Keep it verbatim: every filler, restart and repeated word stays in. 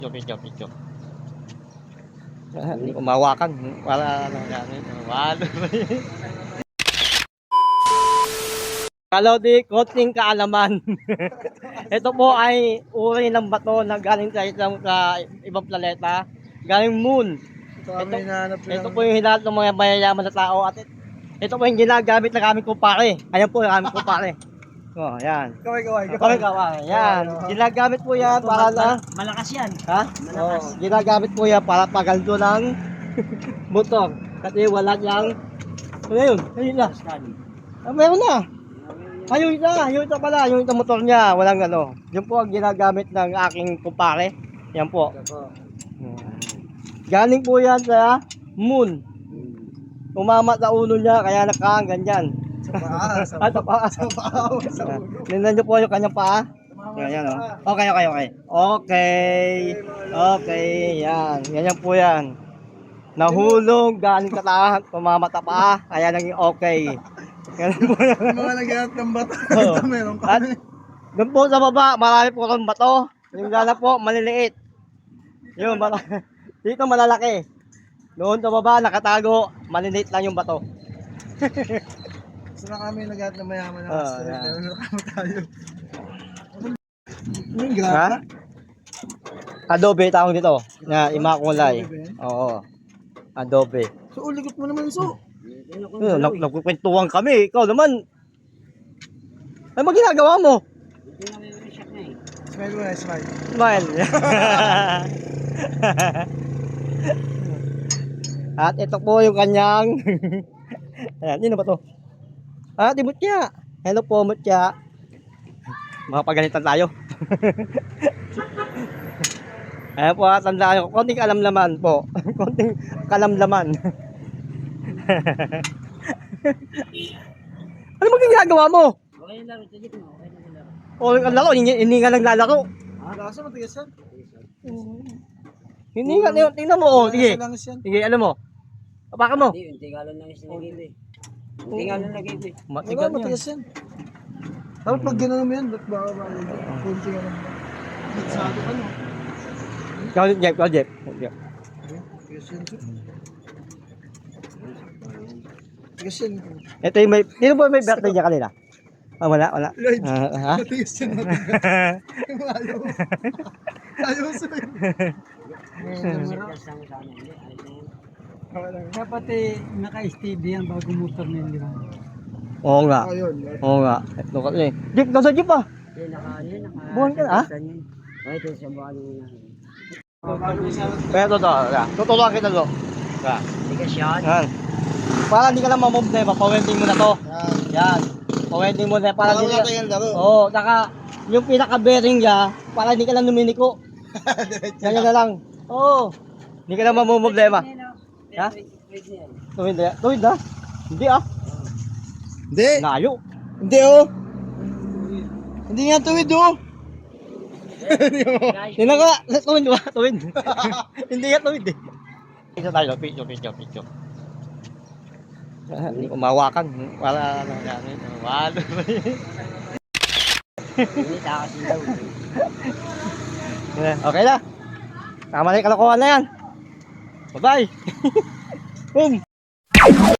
Video, video. Ah, hindi ko mahawakan. Para ano yan. Walo. Kalau di konting kaalaman. Ito po ay uri ng bato na galing sa isang sa ibang planeta. Galing moon. Ito kami hinahanap Ito po yung hinahanap ng mga mayayaman na tao. At ito po yung ginagamit ng aming kumpare. Ayan po yung aming kumpare. Oh, yan. Kaway, kaway, Kaway, kaway. Yan. Ginagamit po yan para na... Malakas yan. Ha? Oh, ginagamit po yan para pagaldo ng motor. Kasi wala niyang... Ano yun? Ayun na. Ah, meron na. Ayun na. Ayun na pala. Yung ito motor niya. Walang ano. Yun po ang ginagamit ng aking kumpare. Yan po. Galing po yan sa moon. Umama sa ulo niya kaya nakaang ganyan. Sa paa, sa At paa. sa paa, sa ulo. Tingnan niyo po yung kanyang paa. Yan, oh. Okay, okay, okay. Okay. Okay, yan. Ganyan po yan. Nahulog, galing katahan, pumamata pa, kaya naging okay. Ganyan po yan. Yung mga naghahanap ng bata. Oo. Ito meron At kami. doon po sa baba, marami po kang bato. Yung gana po, maliliit. Yun, mala- dito malalaki. Doon sa baba, nakatago, maliliit lang yung bato. Gusto na kami naghahanap ng mayaman ng Oo, asteroid. yan. Pero nakama tayo. Yung Ha? grapa? Adobe tawag dito. Na imakulay. Oo. Adobe. So, uligot mo naman, so. Yun, nag nagkukwentuhan kami. Ikaw naman. Ano ba ginagawa mo? Smile mo na, smile. Smile. At ito po yung kanyang ayan, yun na ba to? Ah, di Mutya. Hello po, Mutya. Makapagalitan tayo. Ayan po, tandaan ko. Konting kalamlaman po. Konting kalamlaman. Ano ba ginagawa mo? Okay na laro. Sige mo. Okay na laro. O, ang laro, hindi, hindi nga naglalaro. Ah, kaso matigas yan. Hindi nga, tingnan- tingnan mo. Oh, sige. Sa langis yan. Sige, ano mo? Baka mo. Hindi, yung tigalan lang yung sinagib eh. Yung tigalan lang yung eh. Wala, Matigas yan. matigas yan. Dapat pag gano'n mo yan, ba't baka ba? Kunti ka naman. Bitsado ka no? Ikaw, Jeff, ikaw, Jeff. Jeff. Matigas yan, so. Matigas yan. Ito yung may, sino ba may birthday niya kanina? Ah, wala, wala. Lloyd. Ah, ha? Matigas yan, matigas. Ayaw. Ayaw sa'yo. Masigas lang sa amin. Hindi, ayos na yan. Dapat eh, naka-steady yan bago motor na yun, di ba? Oo nga. Ayun. Oo nga. Ito kasi. Jeep, nasa jeep ah. Hindi, naka, ano yun, naka... Buwan ka na, ah? Ay, ito sa buwan na. Pero ito, ito. Tuturuan kita to. Yan. Tigas yan. Yan. Para hindi ka lang mamumblema, pa-wending mo na to. Yan. Yan. Pa-wending mo na. Para Para hindi wala ka... tayong laro. Oo, saka yung pinaka-bearing niya, para hindi ka lang numiniko. Ganyan na lang. Oo. Hindi ka lang mamumblema. Ha? Wait na yan. Tuwid na. Tuwid na. Hindi ah. Hindi. Nayo. Hindi oh. Hindi nga tuwid oh. Guys, Hindi ka. Tuwid ba? Tuwid. Hindi nga tuwid eh. Picture tayo. Picture, picture, picture. Ah, hindi ko mahawakan. Para ano yan. Walo. hindi takas daw. Okay na. Tama na yung kalokohan na yan. Bye-bye. Boom.